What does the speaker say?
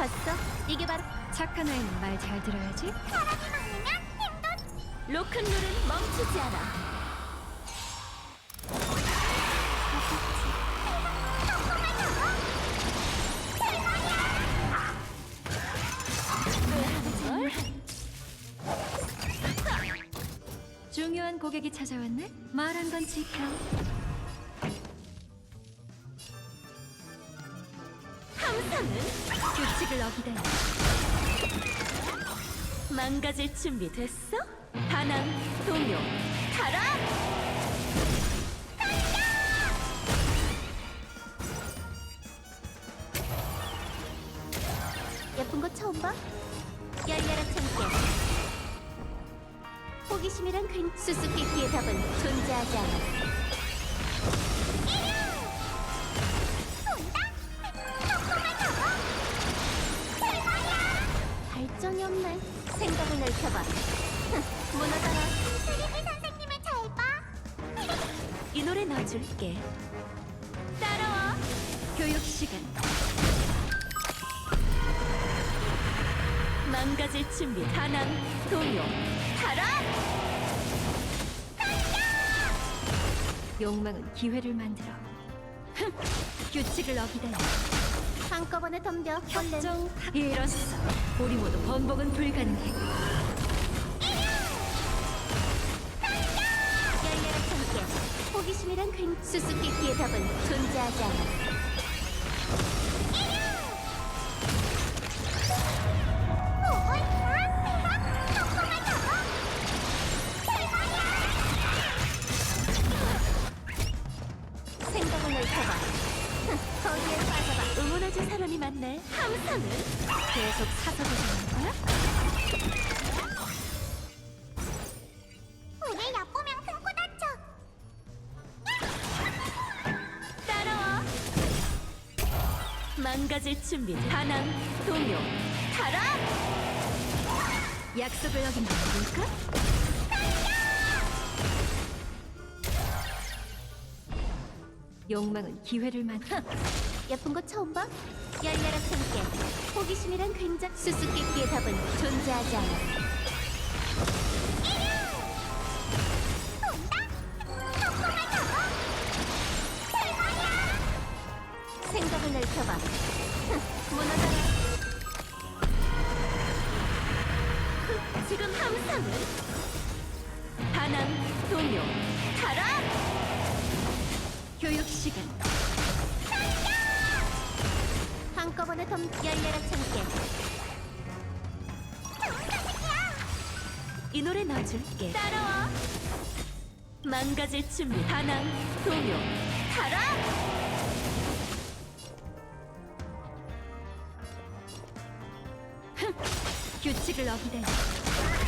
봤어? 이게 바로 착한 아이는 말 잘 들어야지. 사람이 막으면 힘도 로큰롤은 멈추지 않아. 중요한 고객이 찾아왔네. 말한 건 지켜. 함선은 규칙을 어기다니. 망가질 준비 됐어? 반항, 동요, 타라! 예쁜 거 처음 봐? 열려라 참깨. 호기심이란 수수께끼의 답은 존재하지 않아. 발전이 없네. 생각을 넓혀봐. 무너져라. 트리비 선생님을 잘 봐. 이 노래 넣어줄게. 따라와. 교육 시간. 망가질 준비. 반항, 동요, 타라! 욕망은 기회를 만들어. 규칙을 어기다니. 한꺼번에 덤벼. 얼른. 협정 이뤘어. 우리 모두 번복은 불가능해. 열려라 참깨. 호기심이란 수수께끼의 답은 존재하지 않아. 생각을 넓혀봐. 거기에 빠져봐. 응원해줄 사람이 많네. 함선은 계속 사서 고생하는 거야? 우리 얕보면 금고 다쳐. 따라와. 망가질 준비. 반항, 동요, 타라! 약속을 어긴 건 뭘까? 욕망은 기회를 만들어. 예쁜 거 처음 봐? 열려라 참깨. 호기심이란 굉장히 수수께끼의 답은 존재하지 않아. 생각을 넓혀봐. 무너져라. 지금 함선은 반항, 동요, 타라! 교육 시간. 한꺼번에 열려라 참깨. 이 노래 넣어줄게. 따라와. 망가질 준비. 반항, 동요, 타라! 규칙을 어기다니.